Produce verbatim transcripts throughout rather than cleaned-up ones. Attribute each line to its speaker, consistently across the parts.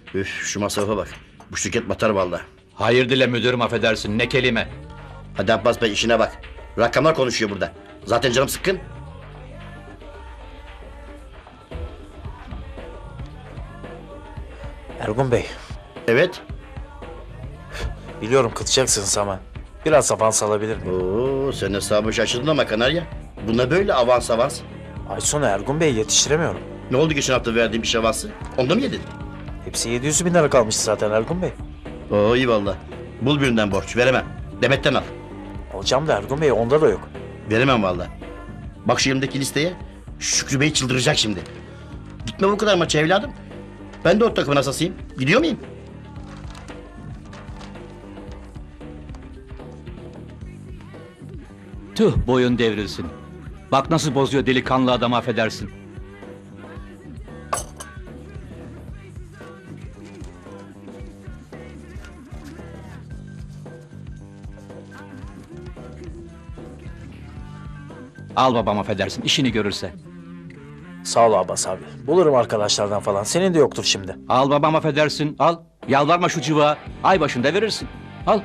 Speaker 1: Üf, şu masrafa bak. Bu şirket batar vallahi.
Speaker 2: Hayır dile müdürüm, affedersin, ne kelime.
Speaker 1: Hadi Abbas Bey işine bak. Rakamlar konuşuyor burada. Zaten canım sıkkın.
Speaker 3: Ergun Bey,
Speaker 1: Evet.
Speaker 3: biliyorum kızacaksınız ama biraz avans alabilir miyim?
Speaker 1: Oo, sen hesabı şaşırdın ama Kanarya. Buna böyle avans avans.
Speaker 3: Ay sonu Ergun Bey yetiştiremiyorum.
Speaker 1: Ne oldu geçen hafta verdiğim iş avansı? Onda mı yedin?
Speaker 3: Hepsi yedi yüz bin lira kalmış zaten Ergun Bey.
Speaker 1: Oo iyi valla. Bul birinden borç veremem. Demet'ten al.
Speaker 3: Alacağım da Ergun Bey onda da yok.
Speaker 1: Veremem valla. Bak şu elimdeki listeye. Şükrü Bey çıldıracak şimdi. Gitme bu kadar maça evladım. Ben de o takımın asasıyım. Gidiyor muyum?
Speaker 2: Tüh, boyun devrilsin. Bak nasıl bozuyor delikanlı adamı, affedersin. Al babam, affedersin, işini görürse.
Speaker 3: Sağ ol Abbas abi. Bulurum arkadaşlardan falan. Senin de yoktur şimdi.
Speaker 2: Al babam, affedersin, al. Yalvarma şu cıvağa. Ay başında verirsin. Al.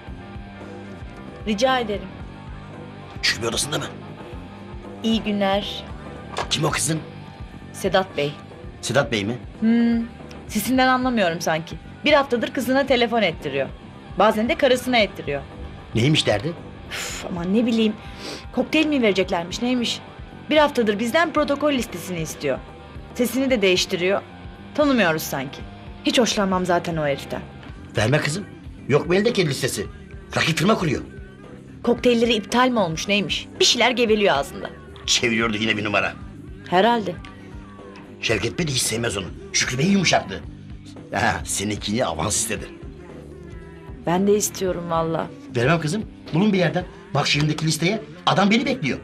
Speaker 4: Rica ederim.
Speaker 1: Şükrü Bey odasında mı?
Speaker 4: İyi günler.
Speaker 1: Kim o kızın?
Speaker 4: Sedat Bey.
Speaker 1: Sedat Bey mi?
Speaker 4: Hmm, sesinden anlamıyorum sanki. Bir haftadır kızına telefon ettiriyor. Bazen de karısına ettiriyor.
Speaker 1: Neymiş derdi?
Speaker 4: Üf, aman ne bileyim. Kokteyl mi vereceklermiş neymiş? Bir haftadır bizden protokol listesini istiyor. Sesini de değiştiriyor. Tanımıyoruz sanki. Hiç hoşlanmam zaten o heriften.
Speaker 1: Verme kızım. Yok mu eldeki listesi? Rakip firma kuruyor.
Speaker 4: Kokteylleri iptal mi olmuş neymiş? Bir şeyler geveliyor ağzında.
Speaker 1: Çeviriyordu yine bir numara.
Speaker 4: Herhalde.
Speaker 1: Şevket Bey de hiç sevmez onu. Şükrü Bey yumuşaktı. Ha, seninkini avans istedi.
Speaker 4: Ben de istiyorum valla.
Speaker 1: Vermem kızım. Bulun bir yerden. Bak şu elimdeki listeye. Adam beni bekliyor.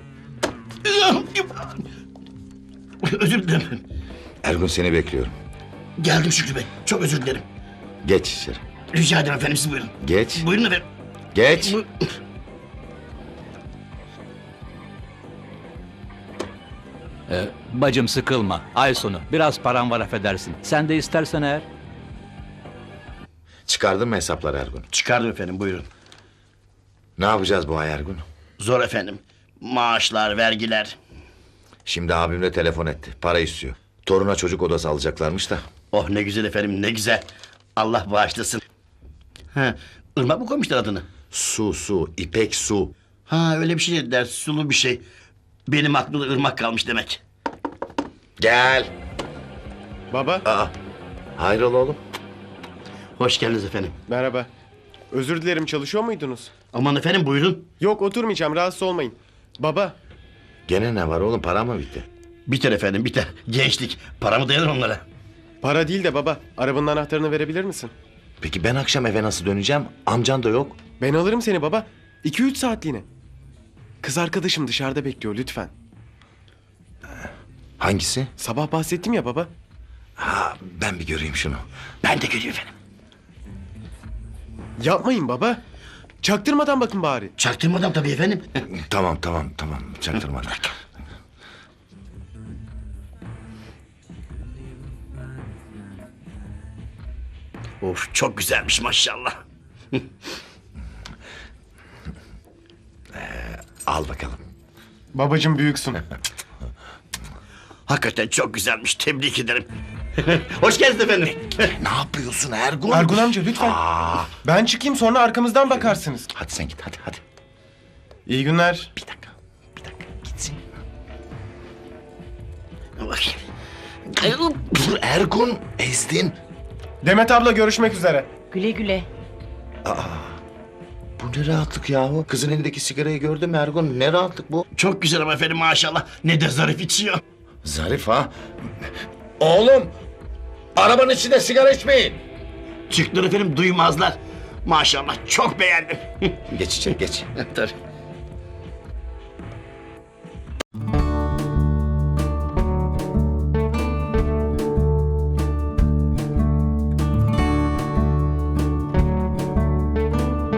Speaker 1: Özür dilerim.
Speaker 5: Ergun seni bekliyorum.
Speaker 1: Geldim Şükrü Bey. Çok özür dilerim.
Speaker 5: Geç içeri.
Speaker 1: Rica ederim efendim, siz buyurun.
Speaker 5: Geç.
Speaker 1: Buyurun efendim.
Speaker 5: Geç.
Speaker 1: Bu-
Speaker 2: Ee, bacım sıkılma. Ay sonu. Biraz param var, affedersin. Sen de istersen eğer.
Speaker 5: Çıkardın mı hesapları Ergun?
Speaker 1: Çıkardım efendim, buyurun.
Speaker 5: Ne yapacağız bu ay Ergun?
Speaker 1: Zor efendim. Maaşlar, vergiler.
Speaker 5: Şimdi abim de telefon etti. Para istiyor. Toruna çocuk odası alacaklarmış da.
Speaker 1: Oh ne güzel efendim, ne güzel. Allah bağışlasın. Ha, Irmak mı koymuşlar adını?
Speaker 5: Su su. İpek su.
Speaker 1: Ha öyle bir şey dediler, sulu bir şey. Benim aklımda ırmak kalmış demek.
Speaker 5: Gel.
Speaker 6: Baba,
Speaker 5: Aa. Hayrola oğlum?
Speaker 1: Hoş geldiniz efendim.
Speaker 6: merhaba. Özür dilerim, çalışıyor muydunuz?
Speaker 1: Aman efendim buyurun.
Speaker 6: Yok, oturmayacağım, rahatsız olmayın. Baba,
Speaker 5: Gene ne var oğlum? Para mı bitti?
Speaker 1: Biter efendim, biter. Gençlik, para mı dayanır onlara?
Speaker 6: para değil de baba, arabanın anahtarını verebilir misin?
Speaker 5: Peki ben akşam eve nasıl döneceğim? Amcan da yok.
Speaker 6: Ben alırım seni baba. iki üç saatliğine. Kız arkadaşım dışarıda bekliyor, lütfen.
Speaker 5: Hangisi?
Speaker 6: Sabah bahsettim ya baba.
Speaker 5: Ha, ben bir göreyim şunu.
Speaker 1: Ben de geliyorum efendim.
Speaker 6: Yapmayın baba. Çaktırmadan bakın bari.
Speaker 1: Çaktırmadan tabii efendim.
Speaker 5: Tamam tamam tamam. Çaktırmadan.
Speaker 1: Of çok güzelmiş maşallah.
Speaker 5: Al bakalım.
Speaker 6: Babacım büyüksün.
Speaker 1: Hakikaten çok güzelmiş, tebrik ederim. Hoş geldiniz efendim.
Speaker 5: Ne yapıyorsun Ergun?
Speaker 6: Ergun amca lütfen.
Speaker 5: Aa,
Speaker 6: Ben çıkayım, sonra arkamızdan bakarsınız.
Speaker 5: hadi sen git hadi hadi.
Speaker 6: İyi günler.
Speaker 5: Bir dakika. Bir dakika gitsin.
Speaker 1: Bakayım.
Speaker 5: Dur Ergun ezdin.
Speaker 6: Demet abla, görüşmek üzere.
Speaker 4: Güle güle.
Speaker 5: Bu ne rahatlık yahu? Kızın elindeki sigarayı gördün mü Ergun? Ne rahatlık bu?
Speaker 1: Çok güzel ama efendim maşallah. Ne de zarif içiyor.
Speaker 5: Zarif ha? Oğlum! Arabanın içinde sigara içmeyin.
Speaker 1: Çıktılar efendim, duymazlar. Maşallah çok beğendim.
Speaker 5: Geç içeri geç.
Speaker 1: Tabii.